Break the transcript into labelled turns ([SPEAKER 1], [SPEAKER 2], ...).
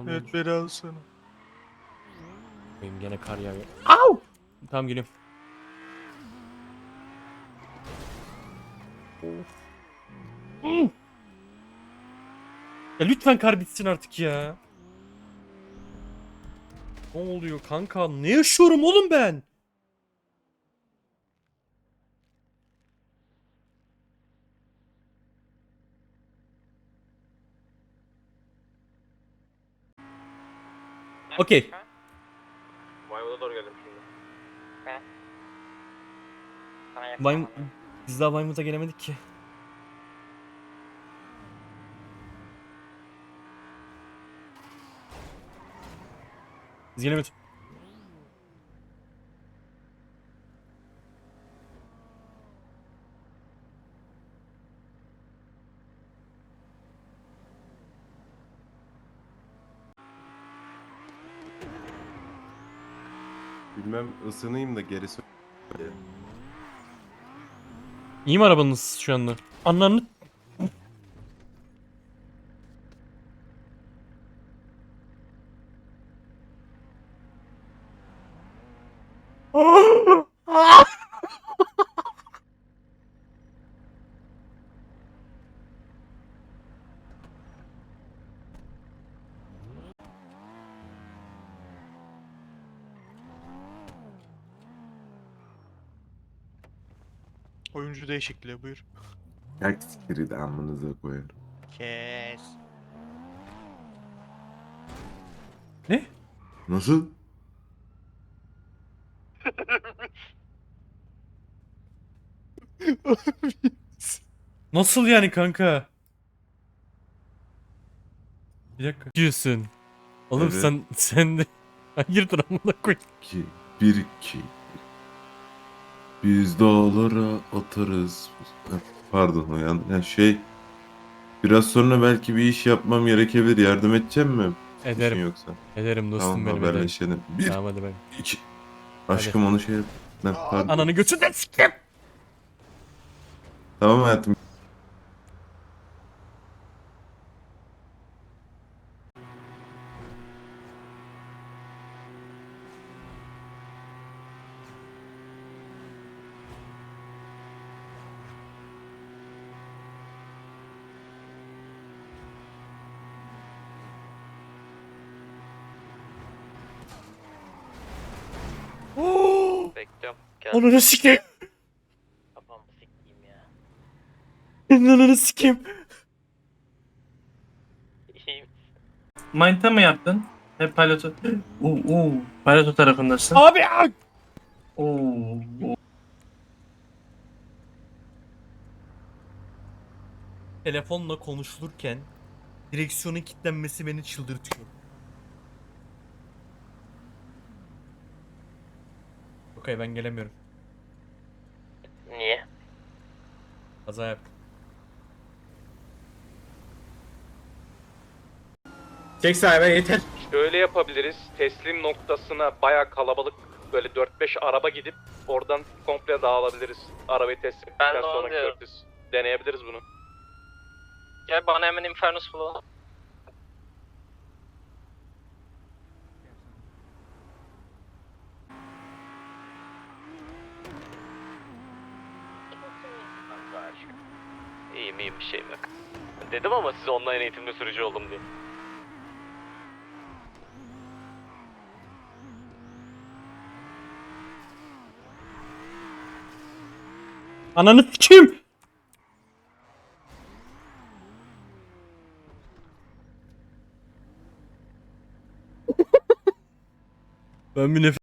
[SPEAKER 1] Evet beni alsana.
[SPEAKER 2] Benim gene kar yağıyor. Au! Tamam geliyorum. Of. Ya lütfen kar bitsin artık ya. Ne oluyor kanka? Ne yaşıyorum oğlum ben? Okey.
[SPEAKER 3] Maymun'a doğru geldim şimdi.
[SPEAKER 2] Vaym Biz daha Vaymut'a gelemedik ki. Biz gelemedik.
[SPEAKER 4] Bilmem ısınayım da gerisi.
[SPEAKER 2] İyi mi arabanız şu anda? Anlarını...
[SPEAKER 1] Oyuncu değişikliği buyur.
[SPEAKER 4] Yak sikiri de amınıza koyarım.
[SPEAKER 1] Kes.
[SPEAKER 2] Ne?
[SPEAKER 4] Nasıl?
[SPEAKER 2] Nasıl yani kanka? Bir dakika. Diyorsun. Oğlum
[SPEAKER 4] Evet.
[SPEAKER 2] sen de... Hayırdır amına koy.
[SPEAKER 4] 2, 1-2. Biz dağlara atarız. Pardon o ya şey. Biraz sonra belki bir iş yapmam gerekebilir. Yardım edeceğim mi?
[SPEAKER 2] Ederim.
[SPEAKER 4] İşin yoksa.
[SPEAKER 2] Ederim dostum
[SPEAKER 4] Tamam
[SPEAKER 2] benim ederim.
[SPEAKER 4] haberleşelim. 1,
[SPEAKER 2] Tamam hadi ben.
[SPEAKER 4] 2. Aşkım onu şey yap. Ne, pardon.
[SPEAKER 2] Ananı götünden siktim.
[SPEAKER 4] Tamam hayatım.
[SPEAKER 3] Bekliyorum. Gel.
[SPEAKER 2] Ananı sikeyim.
[SPEAKER 3] Kafamı sikeyim ya.
[SPEAKER 2] Ananı sikeyim.
[SPEAKER 3] İyiyim.
[SPEAKER 5] Mind'ta mı yaptın? Hep pilotu... Pilotu tarafındasın.
[SPEAKER 2] Abi ya.
[SPEAKER 5] Oo.
[SPEAKER 2] Telefonla konuşulurken direksiyonun kilitlenmesi beni çıldırtıyor. Okey ben gelemiyorum.
[SPEAKER 3] Niye?
[SPEAKER 2] Kaza yaptım.
[SPEAKER 5] Çek sahibi yeter.
[SPEAKER 3] Şöyle yapabiliriz. Teslim noktasına baya kalabalık böyle 4-5 araba gidip oradan komple dağılabiliriz. Arabayı teslim ettikten sonra Curtis. Deneyebiliriz bunu.
[SPEAKER 6] Gel bana hemen Infernus bulalım.
[SPEAKER 3] İyiyim bir şeyim yok. Dedim ama size online eğitimde sürücü oldum diye.
[SPEAKER 2] Ananı sikeyim. Ben bir nefes